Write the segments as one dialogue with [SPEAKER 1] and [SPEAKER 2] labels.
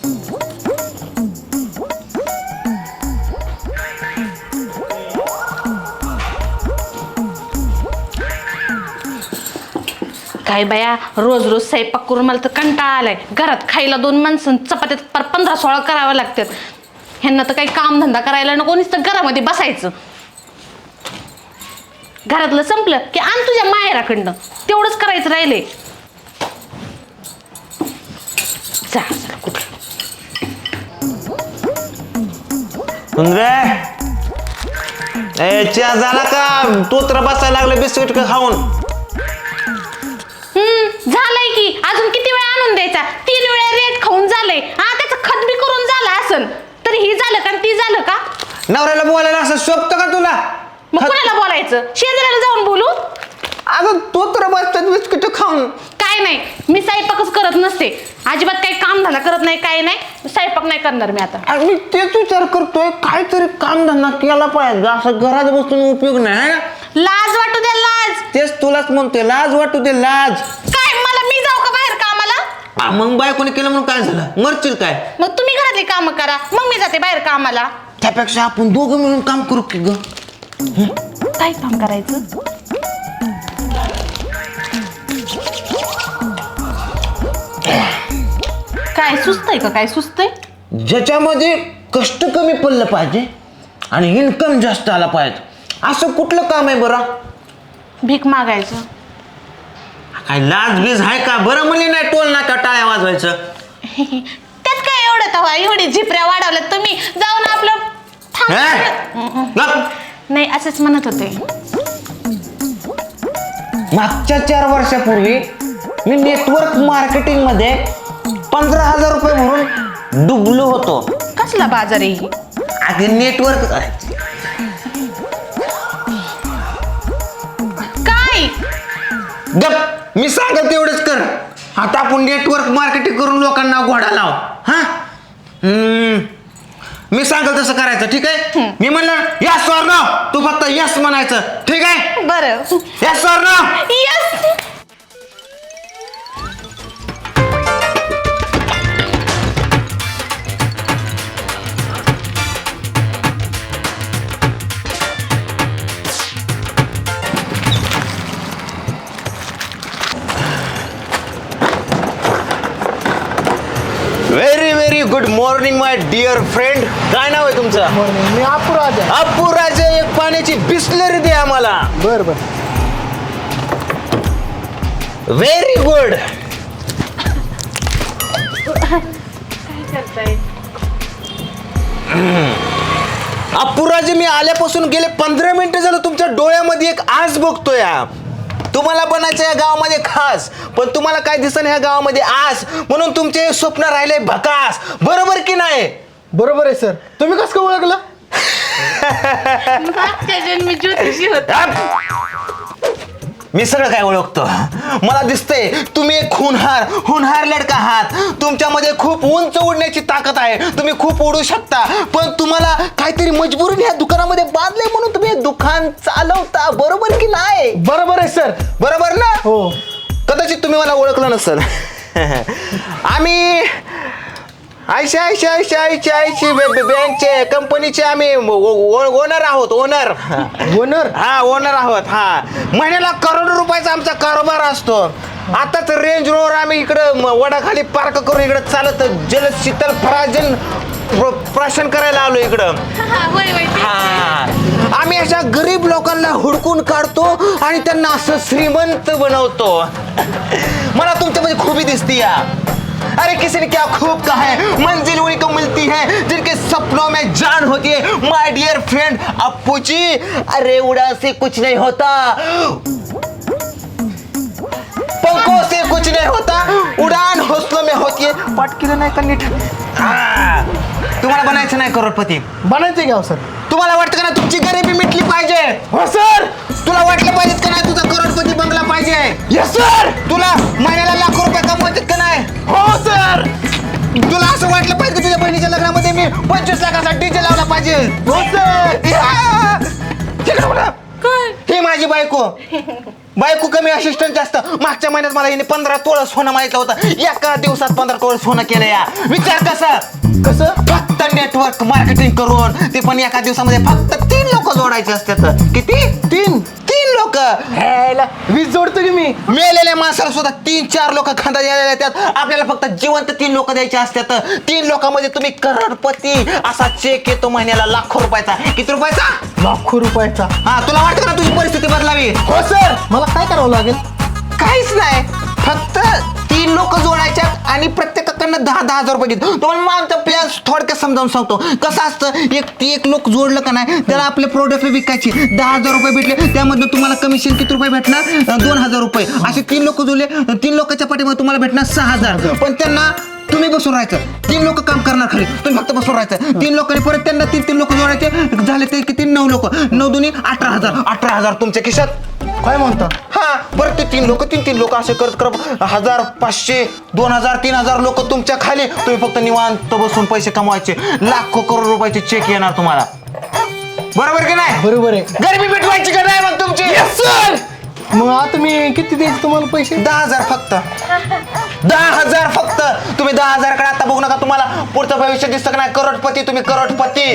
[SPEAKER 1] काय बाया, रोज रोज स्वयंपाक करून मला तर कंटाळा आलाय. घरात खायला 2 माणसं, चपात्यात पर 15-16 करावं लागतात. ह्यांना तर काही काम धंदा करायला नको, नुसतं घरामध्ये बसायचं. घरातलं संपलं की आण तुझ्या माहेराकडनं, तेवढंच करायचं राहिले. जा कुठं
[SPEAKER 2] चहा झाला का? तोत्र बसायला लागलं बिस्किट का खाऊन?
[SPEAKER 1] झालंय की, अजून किती वेळा आणून द्यायचा? 3 वेळा रेट खाऊन झालंय. हा, त्याचं खत बी करून झालं असन, तरी ही झालं का ती झालं का?
[SPEAKER 2] नवऱ्याला बोलायला असं शोभतं का तुला?
[SPEAKER 1] मग कुणाला बोलायचं? शेजाऱ्याला जाऊन बोलू?
[SPEAKER 2] अगं तोत्र बसतात बिस्किट खाऊन.
[SPEAKER 1] काय नाही, मी स्वयंपाकच करत नसते, अजिबात काही काम धंदा करत नाही. काय नाही, स्वयंपाक नाही करणार मी आता.
[SPEAKER 2] मी तेच विचार करतोय, काहीतरी काम धंदा केला पाहिजे, असं घरात बसून उपयोग नाही.
[SPEAKER 1] लाज वाटू द्या, लाज.
[SPEAKER 2] तेच तुलाच म्हणतोय, लाज वाटू दे, लाज.
[SPEAKER 1] काय मला, मी जाऊ का बाहेर कामाला?
[SPEAKER 2] मग बायकोने केलं म्हणून काय झालं? मरशील काय?
[SPEAKER 1] मग तुम्ही घरातली काम करा, मग मी जाते बाहेर कामाला.
[SPEAKER 2] त्यापेक्षा आपण दोघं मिळून काम करू की ग.
[SPEAKER 1] काय काम करायचं? काय सुचतंय का? काय सुचतंय?
[SPEAKER 2] ज्याच्यामध्ये कष्ट कमी पडलं पाहिजे आणि इन्कम जास्त आला पाहिजे, असं कुठलं काम आहे बरं?
[SPEAKER 1] भीक मागायचं.
[SPEAKER 2] काय लाज बीज आहे का? बरं म्हणली नाही टोल नाका टाळ्या वाजवायचं.
[SPEAKER 1] त्यात काय एवढं तवा, एवढी झिपऱ्या वाढवल्यात तुम्ही. जाऊन आपलं नाही, असंच म्हणत होते.
[SPEAKER 2] मागच्या 4 वर्षापूर्वी मी नेटवर्क मार्केटिंग मध्ये 15,000 रुपये भरून डुबलो होतो.
[SPEAKER 1] कसला बाजार आहे?
[SPEAKER 2] आधी नेटवर्क
[SPEAKER 1] काय
[SPEAKER 2] गप, मी सांगत तेवढंच कर. आता आपण नेटवर्क मार्केटिंग करून लोकांना घोडा लाव. हा, मी सांगल तसं करायचं, ठीक आहे? मी म्हणलं यस ऑर नो, तू फक्त यस म्हणायचं, ठीक आहे?
[SPEAKER 1] बरं.
[SPEAKER 2] Yes or no?
[SPEAKER 1] Yes.
[SPEAKER 2] Very very good morning my dear friend. काय नाव आहे तुमचं?
[SPEAKER 3] मी अप्पूराजा.
[SPEAKER 2] अप्पूराजा, एक पाण्याची बिस्लरी दे आम्हाला.
[SPEAKER 3] बर बर.
[SPEAKER 2] Very good.
[SPEAKER 1] काय करताय?
[SPEAKER 2] अप्पूराजी, मी आल्यापासून गेले 15 मिनिटं झालं तुमच्या डोळ्यामध्ये एक आस बघतोय. तुम्हाला बनायचं या गावामध्ये खास, पण तुम्हाला काय दिसत ह्या गावामध्ये आस, म्हणून तुमचे स्वप्न राहिले भकास. बरोबर की नाही?
[SPEAKER 3] बरोबर आहे सर. तुम्ही कसं काय ओळखलं?
[SPEAKER 1] मागच्या जन्मी ज्योतिषी होता.
[SPEAKER 2] मी सगळं काय ओळखतो. मला दिसतंय तुम्ही एक हुनहार लडका आहात. तुमच्यामध्ये खूप उंच उडण्याची ताकद आहे, तुम्ही खूप उडू शकता, पण तुम्हाला काहीतरी मजबुरीने ह्या दुकानामध्ये बांधले म्हणून तुम्ही हे दुकान चालवता. बरोबर की नाही?
[SPEAKER 3] बरोबर आहे सर.
[SPEAKER 2] बरोबर ना?
[SPEAKER 3] हो.
[SPEAKER 2] कदाचित तुम्ही मला ओळखलं नसेल. आम्ही आयसी बँकचे कंपनीचे आम्ही ओनर आहोत. ओनर. हा, ओनर आहोत. हा, महिन्याला करोडो रुपयाचा आमचा कारोबार असतो. आताच रेंज रोवर आम्ही इकडं वडाखाली पार्क करून इकडं चालत जल शीतल फराजन प्राशन करायला आलो इकडं. हा, आम्ही अशा गरीब लोकांना हुडकून काढतो आणि त्यांना असं श्रीमंत बनवतो. मला तुमच्यामध्ये खूबी दिसती या. अरे किसी ने क्या खूब कहा है, मंजिल उन्हीं को मिलती है जिनके सपनों में जान होती है. My dear friend Appu ji, अरे उड़ा से कुछ नहीं होता, पंखों से कुछ नहीं होता, उड़ान हौसलों में होती है. पाठ केलं नाही का नीट? तुम्हाला बनायचं नाही करोडपती?
[SPEAKER 3] बनायचं का सर?
[SPEAKER 2] तुम्हाला वाटतं का ना तुमची गरिबी मिटली पाहिजे?
[SPEAKER 3] हो सर.
[SPEAKER 2] तुला वाटलं पाहिजे का नाही तुझा करोडपती बंगला पाहिजे?
[SPEAKER 3] Yes sir.
[SPEAKER 2] तुला महिन्याला लाखो रुपये कमवायचे का नाही?
[SPEAKER 3] हो सर.
[SPEAKER 2] तुला असं वाटलं पाहिजे की तुझ्या बहिणीच्या लग्नामध्ये मी 25 लाखाचा डीजे लावला पाहिजे?
[SPEAKER 3] हो सर.
[SPEAKER 2] ही माझी बायको. बायको कमी असिस्टंट जास्त. मागच्या महिन्यात मला हिने 15 तोळं सोनं माहितलं होतं. एका दिवसात 15 तोळं सोनं केलं या. विचार कसं फक्त नेटवर्क मार्केटिंग करून, ते पण एका दिवसामध्ये फक्त 3 लोक जोडायचे असतात. किती? 3 लोक.
[SPEAKER 3] 20 जोडतो की मी.
[SPEAKER 2] मेलेल्या माणसाला सुद्धा 3-4 लोक खांदा द्यायला येतात. आपल्याला फक्त जिवंत 3 लोक द्यायचे असतात. 3 लोकांमध्ये तुम्ही करोडपती. असा चेक येतो महिन्याला लाखो रुपयाचा. किती रुपयाचा?
[SPEAKER 3] लाखो रुपयाचा.
[SPEAKER 2] हा, तुला वाटतं का तुझी परिस्थिती बदलावी?
[SPEAKER 3] हो सर, मला काय करावं लागेल?
[SPEAKER 2] काहीच नाही, फक्त 3 लोक जोडायच्या आणि प्रत्येकाकडनं 10,000 रुपये घेतो. तुम्हाला मग आमचा प्लॅन थोडक्यात समजावून सांगतो. कसं असतं, एक लोक जोडलं का नाही, त्याला आपले प्रोडक्ट विकायचे. 10,000 रुपये भेटले, त्यामधून तुम्हाला कमिशन किती रुपये भेटणार? 2,000 रुपये. असे 3 लोक जोडले, 3 लोकांच्या पाठीमध्ये तुम्हाला भेटणार 6,000. पण त्यांना तुम्ही बसून राहायचं. 3 लोक काम करणार खाली, तुम्ही फक्त बसून राहायचं. 3 लोकांनी परत त्यांना 3 लोक जोडायचे. झाले ते किती? 9 लोक. 9 दुनी 18,000. 18,000 तुमच्या खिशात.
[SPEAKER 3] काय म्हणता?
[SPEAKER 2] हा, परत ते 3 लोक असे करत 1,000, 500, 2,000, 3,000 लोक तुमच्या खाली. तुम्ही फक्त निवांत बसून पैसे कमवायचे. लाखो करोड रुपयाचे चेक येणार तुम्हाला. बरोबर की नाही?
[SPEAKER 3] बरोबर आहे.
[SPEAKER 2] गरिबी मिटवायची का नाही मग तुमची?
[SPEAKER 3] सर, मग आता मी किती द्यायचे तुम्हाला पैसे?
[SPEAKER 2] 10,000 फक्त. 10,000 फक्त. तुम्ही 10,000 कडे आता बघू नका. तुम्हाला पुढचं भविष्य दिसतं का नाही? करोडपती. तुम्ही करोडपती.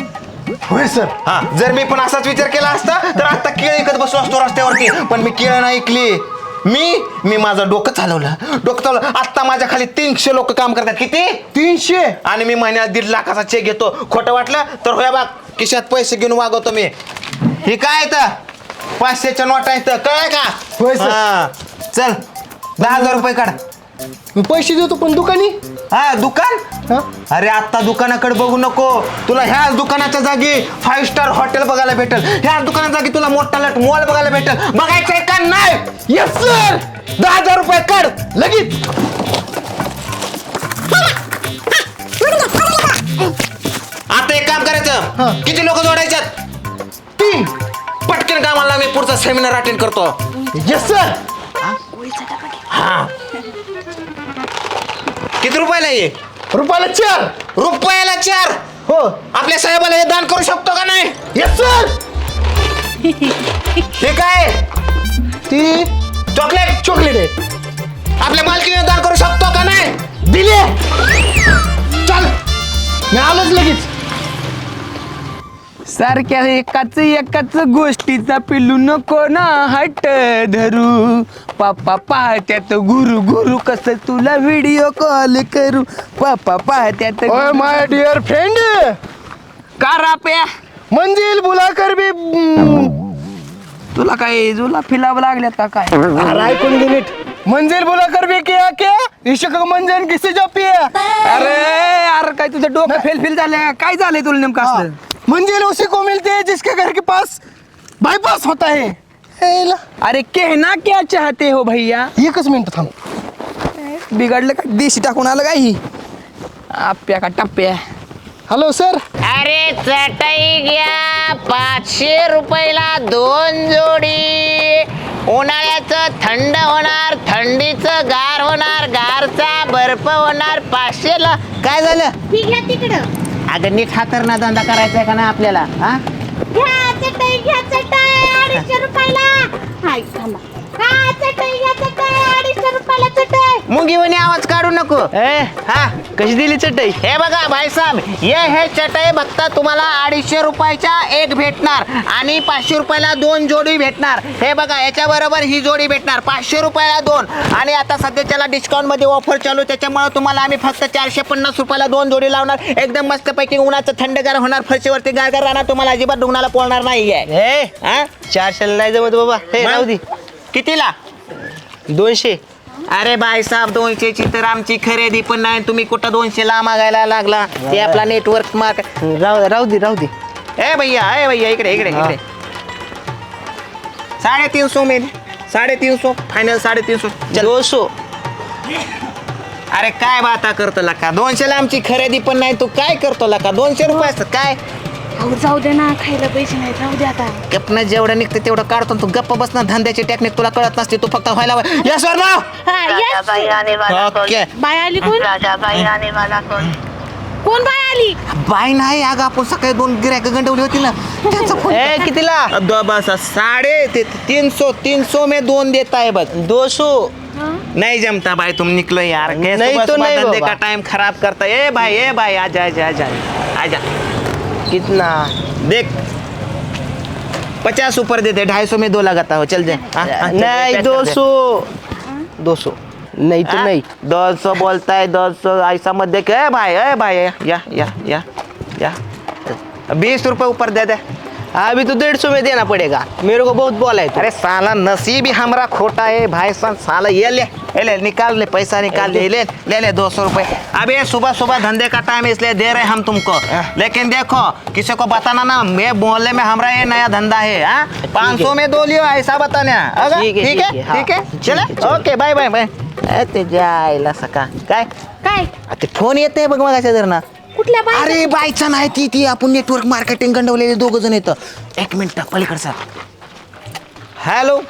[SPEAKER 3] होय सर.
[SPEAKER 2] हा, जर मी पण असाच विचार केला असता तर आता केळ ऐकत बसलो असतो रस्त्यावरती. पण मी केळ नाही ऐकली. मी माझं डोकं चालवलं. आता माझ्या खाली 300 लोक काम करतात. किती?
[SPEAKER 3] 300.
[SPEAKER 2] आणि मी महिन्याला 1.5 लाखाचा चेक घेतो. खोटं वाटलं तर होया बघ, खिशात पैसे घेऊन वागवतो मी. हे काय येतं? 500च्या नोटा येतं. कळलं का?
[SPEAKER 3] होय सर.
[SPEAKER 2] हा, चल 10,000 रुपये काढ.
[SPEAKER 3] मी पैसे देतो, पण दुकानी?
[SPEAKER 2] हा, दुकान?
[SPEAKER 3] हा?
[SPEAKER 2] अरे आता दुकानाकडे बघू नको. तुला ह्याच दुकानाच्या जागी 5 स्टार हॉटेल बघायला भेटेल. ह्याच दुकानाच्या जागी तुला मोठा मॉल बघायला भेटेल. बघायचंय का नाही?
[SPEAKER 3] Yes sir.
[SPEAKER 2] 10,000 रुपये काढ लगेच. आता एक काम
[SPEAKER 3] हा.
[SPEAKER 2] करायचं. किती लोक जोडायच्यात?
[SPEAKER 3] 3.
[SPEAKER 2] पटकन कामाला मी पुढचा सेमिनार अटेंड करतो.
[SPEAKER 3] Yes sir.
[SPEAKER 2] हा, किती रुपयाला ये?
[SPEAKER 3] रुपयाला 4.
[SPEAKER 2] रुपयाला 4.
[SPEAKER 3] हो.
[SPEAKER 2] आपल्या साहेबाला हे दान करू शकतो का नाही?
[SPEAKER 3] Yes sir.
[SPEAKER 2] हे काय?
[SPEAKER 3] ती
[SPEAKER 2] चॉकलेट
[SPEAKER 3] आहे.
[SPEAKER 2] आपल्या मालकीने दान करू शकतो का नाही?
[SPEAKER 3] दिले.
[SPEAKER 2] चल.
[SPEAKER 3] मी आलोच लगेच.
[SPEAKER 4] सारख्या एकाच गोष्टीचा पिलू नको ना हट धरू. पापा पाहत्यात गुरु कसं तुला व्हिडिओ कॉल करू. पापा पाहत्यात
[SPEAKER 3] ओय माय डिअर फ्रेंड,
[SPEAKER 4] का राप्या
[SPEAKER 3] मंजिल बुलाकर भी.
[SPEAKER 4] तुला काय जुला फिलावं लागल्यात का काय?
[SPEAKER 3] अरे ऐकून घे नीट. मंजिल बुलाकर भी क्या इश्क मंजिल किसी जो पिया.
[SPEAKER 4] अरे काय तुझं डोकं फेल झालंय? काय झालंय तुला नेमकं असलं?
[SPEAKER 3] मंजिल उसी को मिलती है जिसके घर के पास बाईपास होता है. हेला.
[SPEAKER 4] अरे कहना क्या चाहते हो भैया?
[SPEAKER 3] एकच मिनिट थांब.
[SPEAKER 4] बिघडलं का? देशी टाकून आलं का ही? आप्या का टप्प्या?
[SPEAKER 3] Hello sir.
[SPEAKER 5] अरे चटई घ्या 500 रुपयाला 2 जोडी. उन्हाळ्याचं थंड होणार, थंडीचं गार होणार, गारचा बर्फ होणार. 500ला काय झालं?
[SPEAKER 1] ती घ्या तिकडं.
[SPEAKER 5] अगं नीट हातरना धंदा करायचा आहे का नाही आपल्याला? हा,
[SPEAKER 1] घ्या चटई 250 रुपयाला. हाय थांबा. घ्या चटई 250 रुपयाला चटई.
[SPEAKER 5] मुंगीवानी आवाज काढू नको.
[SPEAKER 4] हा, कशी दिली चटई?
[SPEAKER 5] हे बघा भाई साहेब, हे चटई बघता तुम्हाला 250 रुपयाच्या एक भेटणार आणि 500 रुपयाला 2 जोडी भेटणार. हे बघा याच्या बरोबर ही जोडी भेटणार 500 रुपयाला 2. आणि आता सध्याच्याला डिस्काउंट मध्ये ऑफर चालू, त्याच्यामुळे तुम्हाला आम्ही फक्त 450 रुपयाला 2 जोडी लावणार. एकदम मस्त पैकी उन्हाचं थंडगार होणार, फरशीवरती गारगार राहणार. तुम्हाला अजिबात दुखण्याला पोळणार नाहीये.
[SPEAKER 4] हे 400 नाही जमत बाबा. हे राहू दे.
[SPEAKER 5] कितीला?
[SPEAKER 4] 200.
[SPEAKER 5] अरे बाई साहेब 200ची तर आमची खरेदी पण नाही. तुम्ही कुठं 200ला मागायला लागला? ते आपला नेटवर्क माग.
[SPEAKER 4] राहू दे.
[SPEAKER 5] ए भैया इकडे 350 में 350 फायनल 350. चल
[SPEAKER 4] 200.
[SPEAKER 5] अरे काय बाता करतो लका? 200ला आमची खरेदी पण नाही. तू काय करतो लका? 200 रुपये असतात काय?
[SPEAKER 1] अहो जाऊ दे ना, खायला पैसे नाही. जाऊ दे आता.
[SPEAKER 5] गप्पन जेवढं निघतं तेवढं काढतो. तू गप्प बसणार. धंद्याची टेक्निक तुला कळत नसते. तू फक्त व्हायला यस वर नाव.
[SPEAKER 1] हा, yes.
[SPEAKER 5] ओके.
[SPEAKER 1] बाय आली कोण?
[SPEAKER 6] राजाबाई आने वाला कौन?
[SPEAKER 1] कोण बाय आली?
[SPEAKER 5] बाय नाही अगं, आपण सकाळी 2 गिऱ्हाईक गंडवली होती ना त्याचा फोन.
[SPEAKER 2] कितीला?
[SPEAKER 5] बस 350 में 2 देता है बस.
[SPEAKER 2] 200
[SPEAKER 5] नहीं जमता भाई, तुम निकलो यार.
[SPEAKER 2] नहीं
[SPEAKER 5] सुबह
[SPEAKER 2] तो
[SPEAKER 5] सुबह
[SPEAKER 2] नहीं
[SPEAKER 5] धंधे
[SPEAKER 2] बाबा.
[SPEAKER 5] का टाइम खराब करता है. ए भाई आजा आजा आजा आजा.
[SPEAKER 2] कितना?
[SPEAKER 5] देख 50 ऊपर देते, 250 में 2 लगाता हो. चल जाए.
[SPEAKER 2] नहीं 200 नहीं तो नहीं.
[SPEAKER 5] 200 बोलता है, 200 ऐसा मत देख. ए भाई या 20 रुपए ऊपर दे दे.
[SPEAKER 2] अभी तो 150 में देना पड़ेगा, मेरे को बहुत बोला है.
[SPEAKER 5] अरे साला नसीब ही हमारा खोटा है भाई साला. ये ले निकाल ले, पैसा निकाल ले 200 रुपए. अब ये सुबह सुबह धंधे का टाइम है इसलिए दे रहे हम तुमको. लेकिन देखो किसी को बताना ना, मैं मोहल्ले में हमारा ये नया धंधा है. 500 में 2 लियो ऐसा बताना.
[SPEAKER 2] ठीक है,
[SPEAKER 5] ठीक
[SPEAKER 2] ठीक है,
[SPEAKER 5] है चले. Okay bye bye bye. ते जायला सका काय
[SPEAKER 1] काय?
[SPEAKER 5] ते फोन येते बघ मगाच्या जर ना.
[SPEAKER 1] कुठल्या बाय?
[SPEAKER 5] अरे बायचा नाही ती आपण नेटवर्क मार्केटिंग गंडवलेले 2 जण येतं. 1 मिनिट पलीकडचा. हॅलो.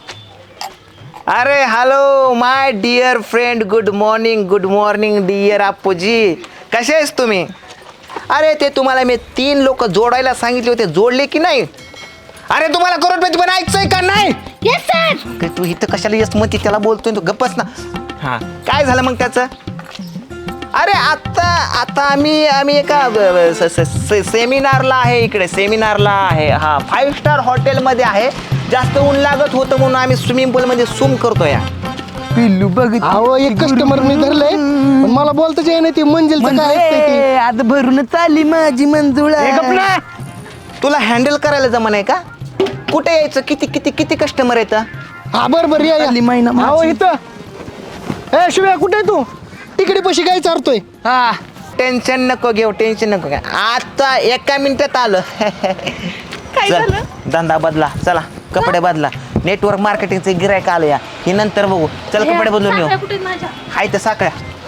[SPEAKER 5] अरे hello my dear friend, good morning dear Appuji. कसे आहेस तुम्ही? अरे ते तुम्हाला मी 3 लोक जोडायला सांगितले होते, जोडले की नाही? अरे तुम्हाला करोडपती बनायचंय का नाही?
[SPEAKER 1] Yes sir.
[SPEAKER 5] तू इथं कशाला येस म्हणते, त्याला बोलतोय तू गप्पच ना. हा काय झालं मग त्याचं? अरे आता आम्ही एका सेमिनारला आहे, इकडे सेमिनारला आहे. हा 5 स्टार हॉटेलमध्ये आहे. जास्त ऊन लागत होतं म्हणून आम्ही स्विमिंग पूलमध्ये स्विम करतोय.
[SPEAKER 4] पिल्लू बघ
[SPEAKER 3] अहो एक कस्टमर मी धरलंय, पण मला बोलताच येत नाही. ती मंजिलचं काय असतंय ते.
[SPEAKER 4] आज भरूनच आली माझी मंजुळा.
[SPEAKER 5] तुला हँडल करायला जमन आहे का? कुठे यायचं? किती कस्टमर येतं?
[SPEAKER 3] हा बरोबर या
[SPEAKER 4] आली महिना माझी.
[SPEAKER 3] अहो इथं. ए शिव्या कुठे आहे तू? तिकडे पशी काय चारतोय?
[SPEAKER 4] हा
[SPEAKER 5] टेन्शन नको घेऊ. आता 1 मिनिटात आलं.
[SPEAKER 1] काय
[SPEAKER 5] चल,
[SPEAKER 1] झालं?
[SPEAKER 5] धंदा बदला. चला कपडे बदला. नेटवर्क मार्केटिंगचे गिरायक आलं या. हे नंतर बघू. चल कपडे बदलून येऊ.
[SPEAKER 1] साखळ्या कुठे आहेत माझ्या?
[SPEAKER 5] हाय तर साखळ्या.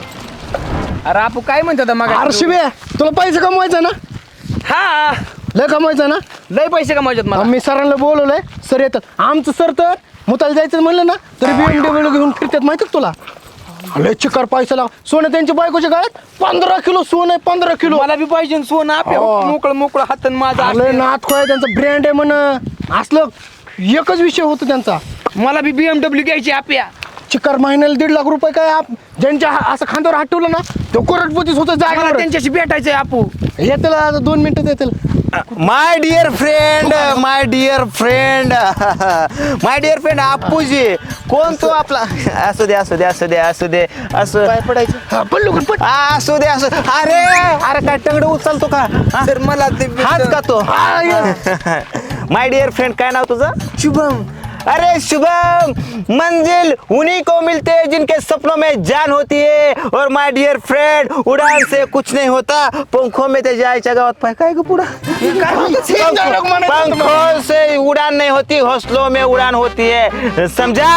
[SPEAKER 4] अरे आपू काय म्हणतो मग?
[SPEAKER 3] अरे शिव्या तुला पैसे कमवायचा ना?
[SPEAKER 4] हा
[SPEAKER 3] लय कमवायचा ना?
[SPEAKER 4] लय पैसे कमावतात मला.
[SPEAKER 3] मी सरांना बोलवलंय, सर येतात. आमचं सर तर मुताला जायचं म्हणलं ना तरी BMW घेऊन फिरतात माहिती तुला. लय चिकार पैसा लाव. सोनं त्यांच्या बायकोच्या गळ्यात 15 किलो सोनं आहे. 15 किलो.
[SPEAKER 4] मला बी पाहिजे सोनं. आपल्या
[SPEAKER 3] हो.
[SPEAKER 4] मोकळं हातन माझा.
[SPEAKER 3] लय नाथ खोय त्यांचा ब्रँड आहे म्हण. असलं एकच विषय होतो त्यांचा.
[SPEAKER 4] मला बी BMW घ्यायची आपल्या.
[SPEAKER 3] चिकार महिन्याला 1.5 लाख रुपये काय ज्यांच्या असं खांद्यावर हात ठेवलं ना तो करोडपतीच होतं
[SPEAKER 4] मला
[SPEAKER 3] जागा.
[SPEAKER 4] त्यांच्याशी भेटायचंय आपू.
[SPEAKER 3] येतील आता 2 मिनिटात येतील.
[SPEAKER 5] My dear friend Appuji. कोण तो आपला? असू दे असू
[SPEAKER 3] काय पडायचं? हा, पडलो का? पड.
[SPEAKER 5] असू दे. अरे काय टंगड उचलतो का?
[SPEAKER 4] तर मला ते
[SPEAKER 5] हाच का तो?
[SPEAKER 3] हा, ये.
[SPEAKER 5] माय डिअर फ्रेंड काय नाव तुझं?
[SPEAKER 3] शुभम.
[SPEAKER 5] अरे शुभम, मंजिल उन्हीं को मिलते हैं जिनके सपनों में जान होती है. और माय डियर फ्रेंड, उड़ान से कुछ नहीं होता, पंखों में ते जायच्या गावात पाय काय ग पुढं? पंखों से उड़ान नहीं होती, हौसलों में उड़ान होती है. समझा?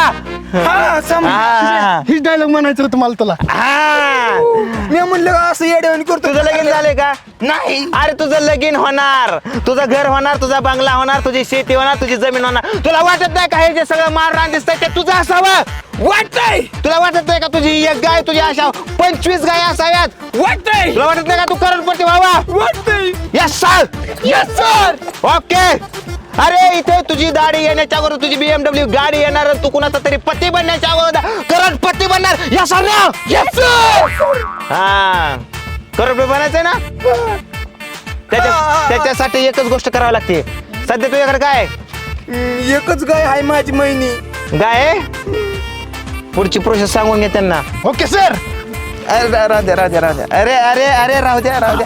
[SPEAKER 5] हाँ.
[SPEAKER 3] हीच डायलॉग म्हणायचं होतं मला तुला.
[SPEAKER 5] हाँ.
[SPEAKER 4] मी म्हणलं असं येड्यावानी करतो.
[SPEAKER 5] तुझं लगीन झाले का?
[SPEAKER 4] नाही.
[SPEAKER 5] अरे तुझं लगीन होणार, तुझं घर होणार, तुझा बंगला होणार, तुझी शेती होणार, तुझी जमीन होणार. तुला वाटत नाही का हे जे सगळं माररान दिसतंय ते तुझं असावं?
[SPEAKER 4] वाटतंय.
[SPEAKER 5] तुला वाटत नाही का तुझी 1 गाय तुझी अशा 25 गाय असाव्यात?
[SPEAKER 4] वाटतंय.
[SPEAKER 5] तुला वाटत नाही का तू करोडपती व्हावा?
[SPEAKER 4] वाटतंय.
[SPEAKER 5] Yes sir.
[SPEAKER 4] Yes sir.
[SPEAKER 5] Okay. अरे इथे तुझी दाढी येण्याच्या अगोदर तुझी BMW गाडी येणार आणि तू कुणाचा तरी पती बनण्याच्या अगोदर करोडपती बनणार. यस सर ना?
[SPEAKER 4] Yes sir.
[SPEAKER 5] हा करोडपती बनायचंय ना? त्याच्यासाठी एकच गोष्ट करावी लागते. सध्या तुझ्याकडे काय आहे?
[SPEAKER 4] एकच गाय आहे माझी महिनी.
[SPEAKER 5] गाय आहे? पुढची प्रोसेस सांगून घे त्यांना.
[SPEAKER 3] Okay sir.
[SPEAKER 5] अरे राहू द्या. अरे राहू द्या.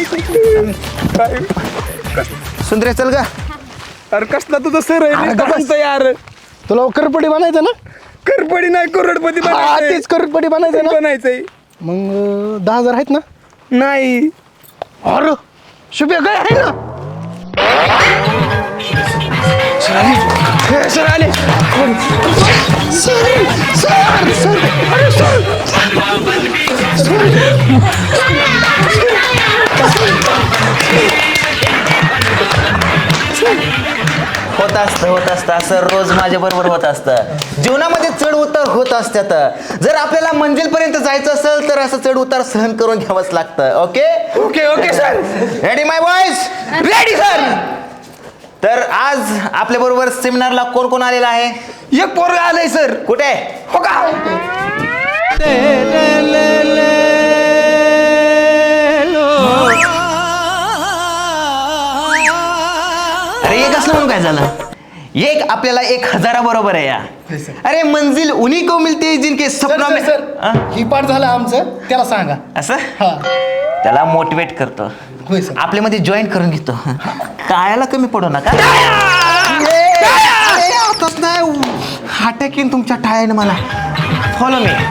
[SPEAKER 5] सुंदरे चल गा.
[SPEAKER 4] अरे कसला तुझं सर
[SPEAKER 3] अरे
[SPEAKER 4] आहे?
[SPEAKER 3] गप्प बस.
[SPEAKER 4] म्हणतो यार.
[SPEAKER 3] तुला करपडी बनायचं ना?
[SPEAKER 4] करपडी नाही, करोडपती
[SPEAKER 3] हा,
[SPEAKER 4] बनायचंय.
[SPEAKER 3] तेच करोडपडी बनायचं ना?
[SPEAKER 4] बनायचंय.
[SPEAKER 3] मग 10,000 आहेत ना?
[SPEAKER 4] नाही.
[SPEAKER 3] अरे शुभ्या काय आहे ना?
[SPEAKER 4] सर आले.
[SPEAKER 5] होत असतं असं रोज माझ्या बरोबर होत असतं. जीवनामध्ये चढ उतार
[SPEAKER 2] होत असतात. जर आपल्याला मंजिलपर्यंत जायचं असेल तर असं चढ उतार सहन करून घ्यावंच लागतं. Okay
[SPEAKER 4] okay okay sir.
[SPEAKER 2] Ready my boys?
[SPEAKER 4] Ready sir.
[SPEAKER 2] तर आज आपल्या बरोबर सेमिनारला कोण कोण आलेला आहे?
[SPEAKER 4] एक पोरगा आलंय सर.
[SPEAKER 2] कुठे?
[SPEAKER 4] हो का?
[SPEAKER 2] अरे एक असलं म्हणून काय झालं? एक आपल्याला 1000 बरोबर आहे या. अरे मंजिल उन्हीं को मिलती है जिनके सपनों में.
[SPEAKER 3] सर ही पाठ झालं आमचं, त्याला सांगा.
[SPEAKER 2] असं
[SPEAKER 3] हा
[SPEAKER 2] त्याला मोटिवेट करतो,
[SPEAKER 3] होय सर.
[SPEAKER 2] आपल्यामध्ये जॉईन करून घेतो. काळ्याला कमी पडू नका. आताच नाही हाटकीन तुमच्या टाळ्याने मला. फॉलो मी.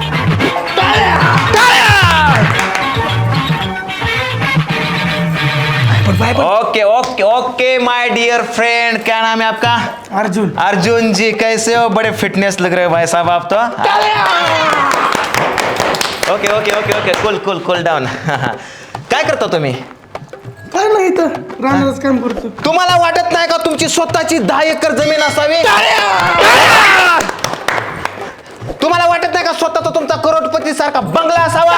[SPEAKER 2] Okay okay okay my dear friend, क्या नाम है आपका?
[SPEAKER 3] अर्जुन.
[SPEAKER 2] अर्जुन जी, कैसे हो? बड़े फिटनेस लग रहे हो भाई साहब आप तो. Okay okay okay okay cool cool cool down. काय करता तुम्ही?
[SPEAKER 3] काय नाही तर राहणारच काम करतो.
[SPEAKER 2] तुम्हाला वाटत नाही का तुमची स्वतःची 10 एकर जमीन असावी? तुम्हाला वाटत नाही का स्वतःचा तुमचा करोडपती सारखा बंगला असावा?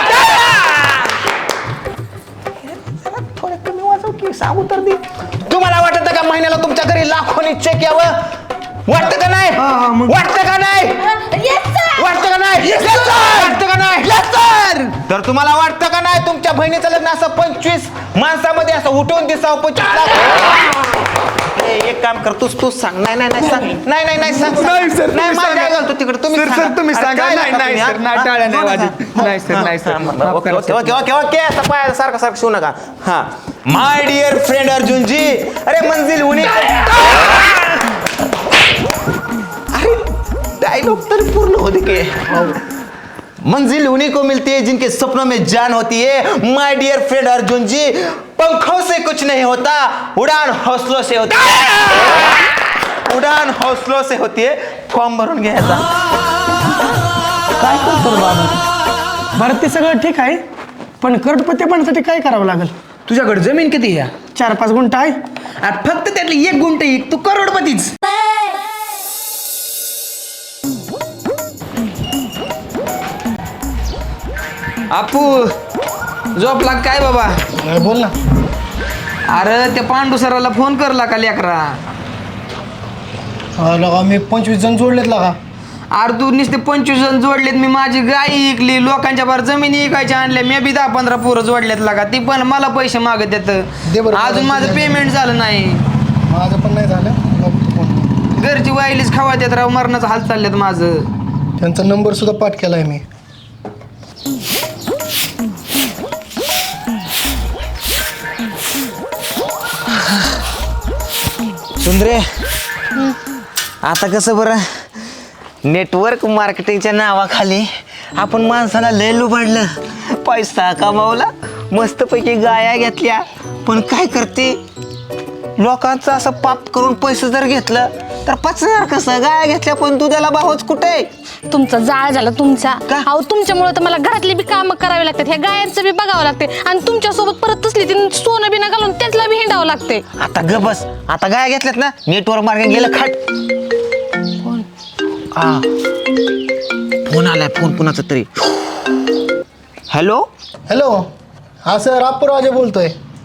[SPEAKER 2] थोडं कमी वाजव की, सांगू तर दे. तुम्हाला वाटत नाही का महिन्याला तुमच्या घरी लाखोनी चेक यावं? वाटतं का नाही? वाटतं का नाही? वाटतं का नाही? वाटतं का नाही? तर तुम्हाला वाटतं का नाही तुमच्या बहिणीचं लग्न असं 25 माणसामध्ये असं उठून दिसावं? 25 लाख. एक काम कर, तूच सांग. नाही नाही नाही सांग. नाही नाही नाही सांग.
[SPEAKER 4] नाही सर,
[SPEAKER 2] नाही
[SPEAKER 4] तुम्ही
[SPEAKER 2] माझ्या
[SPEAKER 4] सांगा.
[SPEAKER 2] घालतो तिकडे. तुम्ही
[SPEAKER 4] सर,
[SPEAKER 2] सांगा.
[SPEAKER 4] सर, तुम्ही
[SPEAKER 2] अरे,
[SPEAKER 4] सांगा.
[SPEAKER 2] काय
[SPEAKER 4] नाही,
[SPEAKER 2] लागतं
[SPEAKER 4] नाही,
[SPEAKER 2] तुम्ही,
[SPEAKER 4] सर,
[SPEAKER 2] हा?
[SPEAKER 4] नाही, टाळ्या नाही
[SPEAKER 2] हा?
[SPEAKER 4] वाजत. नाही, सर, नाही, sir.
[SPEAKER 2] Okay okay okay okay okay असं पाय सारखं सारखं शिवू नका. हा my dear friend Arjun ji, अरे मंजिल उन्हीं. अरे डायलॉग तर पूर्ण होते की. मंजिल उन्हीं को मिलती है जिनके सपनों में जान होती है. My dear friend Arjun ji, पंखों से कुछ नहीं होता, उड़ान हौसलों से होती है. उड़ान हौसलों से होती है. फॉर्म भरून घ्यायचा.
[SPEAKER 3] काय करतो रे बाबा? बरं ते सगळं ठीक आहे, पण करोडपती बनण्यासाठी काय करावं लागेल?
[SPEAKER 4] तुझ्याकडे जमीन किती आहे?
[SPEAKER 3] 4-5 गुंठ आहे.
[SPEAKER 4] अरे फक्त त्यातली 1 गुंठ तू करोडपतीच. आपू झोपला काय बाबा?
[SPEAKER 3] नाही, बोल ना.
[SPEAKER 4] अरे त्या पांडू सराला फोन करला का लेकरा?
[SPEAKER 3] लगा मी 25 जण जोडलेत लगा.
[SPEAKER 4] अरे तू नुसते 25 जण जोडलेत. मी माझी गाय इकली, लोकांच्या बार जमिनी इकायच्या आणल्या. मी बी 10-15 पोरं जोडलेत लागा. ती पण मला पैसे मागत
[SPEAKER 3] दे
[SPEAKER 4] येत.
[SPEAKER 3] बरं.
[SPEAKER 4] अजून माझं पेमेंट झालं नाही.
[SPEAKER 3] माझं पण नाही झालं. बघतो फोन.
[SPEAKER 4] घरची वाईलीच खावा देत राव. मरणाचं हाल चाललेत माझं.
[SPEAKER 3] त्यांचा नंबर सुद्धा पाठ केलाय मी.
[SPEAKER 2] सुंदरे, आता कसं बरं, नेटवर्क मार्केटिंगच्या नावाखाली आपण माणसाला लय लुबाडलं, पैसा कमावला, मस्तपैकी गाया घेतल्या. पण काय करते, लोकांचं असं पाप करून पैसे जर घेतलं तर पचणार कसं? गाया घेतल्या पण दुधाला भावच कुठे?
[SPEAKER 1] तुमचा जाळ झाला तुमचा. अहो तुमच्यामुळे तर मला घरातली बी कामं करावी लागतात, ह्या गायांचं बी बघावं लागते, आणि तुमच्यासोबत परत तसली ती सोनं बिना घालून त्यातला बी हिंडावं लागते.
[SPEAKER 2] आता ग बस, आता गाया घेतल्यात ना, नेटवर्क मार्केटिंग गेलं खाट. फोन आलाय, फोन कुणाचा तरी. Hello
[SPEAKER 3] hello. हा सर, अप्पूराजे बोलतोय.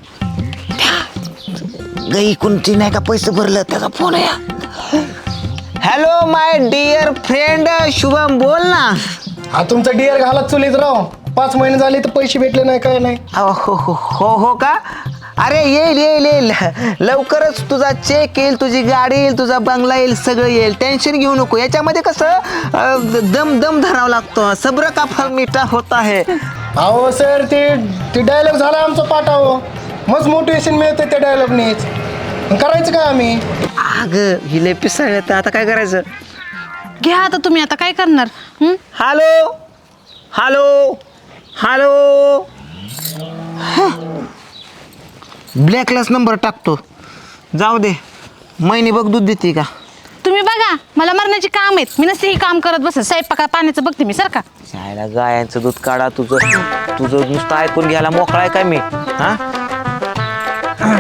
[SPEAKER 2] गई कोणती नाही का पैसे भरलं त्याचा फोन आहे. Hello my dear friend Shubham, बोल ना.
[SPEAKER 3] हा तुमचा डिअर घालत चुलीत राव. 5 महिने झाले तर पैसे भेटले नाही, काय नाही.
[SPEAKER 2] हो हो हो हो हो का? अरे येईल येईल येईल, लवकरच तुझा चेक येईल, तुझी गाडी येईल, तुझा बंगला येईल, सगळं येईल. टेन्शन घेऊ नको. याच्यामध्ये कसं दम दम धरावं लागतो. सब्र का फल मीठा होता है.
[SPEAKER 3] अहो सर, ते डायलॉग झाला आमचा पाठावं. मस्त मोटिवेशन मिळतं त्या डायलॉगनेच. करायचं काय आम्ही?
[SPEAKER 2] अगं हिले पिसाळ, तर आता काय करायचं?
[SPEAKER 1] घ्या आता तुम्ही, आता काय करणार?
[SPEAKER 2] Hello hello hello. ब्लॅकलाच नंबर टाकतो. जाऊ दे, महिने बघ दूध देते का.
[SPEAKER 1] तुम्ही बघा, मला मरण्याची काम आहेत. मी नसते ही काम करत बस. स्वयंपाका पाण्याचं बघते मी, सर का.
[SPEAKER 2] शाळेला गायांचं दूध काढा. तुझं नुसतं ऐकून घ्यायला मोकळा आहे काय मी? हा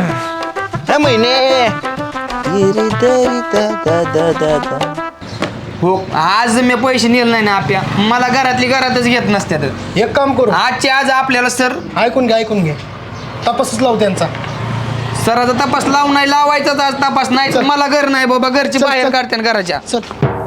[SPEAKER 2] महिने
[SPEAKER 4] हो आज मी पैसे नेले नाही ना आपल्या मला घरातच घेत नसत्यात
[SPEAKER 3] एक काम करू
[SPEAKER 4] आजच्या आज आपल्याला सर
[SPEAKER 3] ऐकून घे तपासच लावू त्यांचा.
[SPEAKER 4] सराचा तपास लावून नाही लावायचाच आज तपास नाही
[SPEAKER 3] चल.
[SPEAKER 4] मला घर नाही बाबा घरची
[SPEAKER 3] चल,
[SPEAKER 4] बाहेर
[SPEAKER 3] चल.
[SPEAKER 4] काढते ना घराच्या.
[SPEAKER 3] चल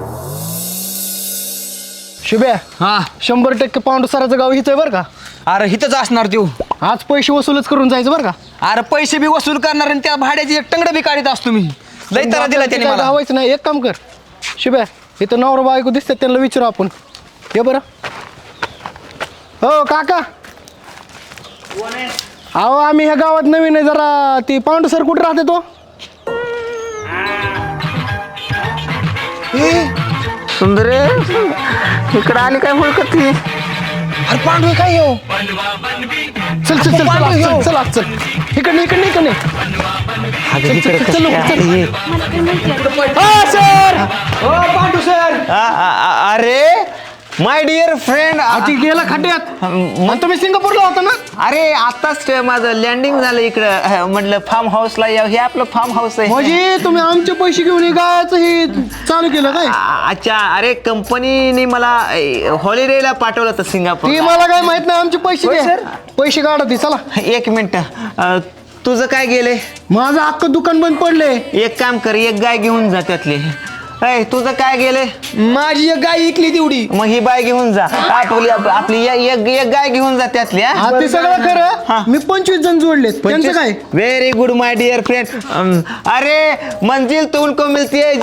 [SPEAKER 3] शुभ्या,
[SPEAKER 4] हा
[SPEAKER 3] 100% पाऊंड सराचं गाव हिच आहे बरं का.
[SPEAKER 4] अरे हिथंच असणार तू.
[SPEAKER 3] आज पैसे वसूलच करून जायचं बरं का.
[SPEAKER 4] अरे पैसे बी वसूल करणार आणि त्या भाड्याची एक टंगड बी काढीत असतो मी. लई तर दिला त्याने
[SPEAKER 3] काय
[SPEAKER 4] मला.
[SPEAKER 3] गावायचं नाही. एक काम कर शुभ्या, इथं नवरा बायको दिसतात त्यांना विचारू आपण. ये बरं. हो काका, अहो आम्ही ह्या गावात नवीन आहे जरा. ती पांडू सर कुठे राहते तो?
[SPEAKER 5] सुंदरे इकडे आली काय हुडकती?
[SPEAKER 3] अरे पांडू काय येऊ. चल चल चल चल चल आज चल. इकडे चल सर.
[SPEAKER 4] हो पांडू सर.
[SPEAKER 2] अरे माय डिअर फ्रेंड,
[SPEAKER 3] ती गेला खड्ड्यात. आणि तुम्ही सिंगापूरला होता ना?
[SPEAKER 5] अरे आताच माझं लँडिंग झालं इकडं. म्हटलं फार्म हाऊसला या. हे आपलं फार्म हाऊस आहे.
[SPEAKER 3] म्हणजे तुम्ही आमचे पैसे घेऊन हे गायचं हे चालू केलं काय?
[SPEAKER 5] अच्छा, अरे कंपनीने मला हॉलिडेला पाठवलं होतं सिंगापूर.
[SPEAKER 3] ती मला काय माहित नाही. आमचे पैसे
[SPEAKER 5] होय,
[SPEAKER 3] द्या.
[SPEAKER 5] सर.
[SPEAKER 3] पैसे काढा ती. चला
[SPEAKER 5] एक मिनिट, तुझं काय गेले?
[SPEAKER 3] माझं अख्खं दुकान बंद पडले.
[SPEAKER 5] एक काम कर, एक गाय घेऊन जा त्यातली. ऐ तुझं काय गेले?
[SPEAKER 4] माझी एक गाय इकली तेवढी.
[SPEAKER 5] मग ही बाय घेऊन जा. आपली एक गाय घेऊन जा त्यातली.
[SPEAKER 3] हा ते सगळं
[SPEAKER 5] हा.
[SPEAKER 3] खरं. मी 25 जण जोडले. त्यांचं काय?
[SPEAKER 5] Very good my dear friend. अरे मंजिल तो उनको मिलती है.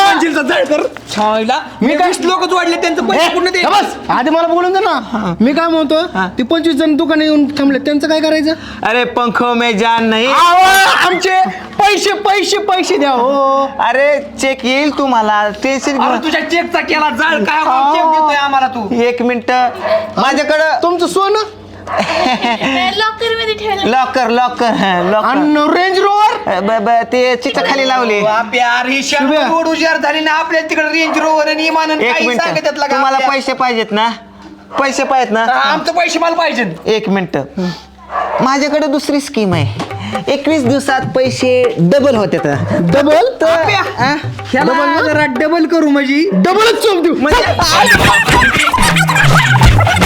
[SPEAKER 4] मी काय लोक जोडले त्यांचं पैसे पूर्ण
[SPEAKER 3] हे बस, आधी मला बोलून दे ना. मी काय म्हणतो, ती 25 जण दुकाने येऊन थांबले त्यांचं काय करायचं?
[SPEAKER 5] अरे पंखो में जान नहीं.
[SPEAKER 3] आमचे पैसे पैसे पैसे द्या हो.
[SPEAKER 5] अरे चेक येईल तुम्हाला. टेन्शन
[SPEAKER 4] अरे तुझ्या चेकचा केला जाळ काय चेक देतोय आम्हाला तू.
[SPEAKER 5] एक मिनिट माझ्याकडं
[SPEAKER 3] तुमचं सोनं
[SPEAKER 1] लॉकर मध्ये ठेवलं.
[SPEAKER 5] लॉकर लॉकर लॉकर
[SPEAKER 3] आणि रेंज रोवर
[SPEAKER 5] ते चित्र खाली लावले.
[SPEAKER 4] यार ही
[SPEAKER 3] शुभ्या.
[SPEAKER 4] रोड हुशार झाली ना आपल्या तिकडे रेंज रोवर आणि इमान आणि
[SPEAKER 5] एक
[SPEAKER 4] काही
[SPEAKER 5] मिनिट,
[SPEAKER 4] सांगितलं का
[SPEAKER 5] तुम्हाला
[SPEAKER 4] आपल्या?
[SPEAKER 5] पैसे पाहिजेत ना? पैसे पाहिजेत ना?
[SPEAKER 4] आमचं पैसे मला पाहिजे.
[SPEAKER 5] एक मिनिट, माझ्याकडे दुसरी स्कीम आहे. 21 दिवसात पैसे डबल होते.
[SPEAKER 3] डबल
[SPEAKER 4] ह्याला जरा डबल करू म्हणजे
[SPEAKER 3] डबलच चोप देऊ.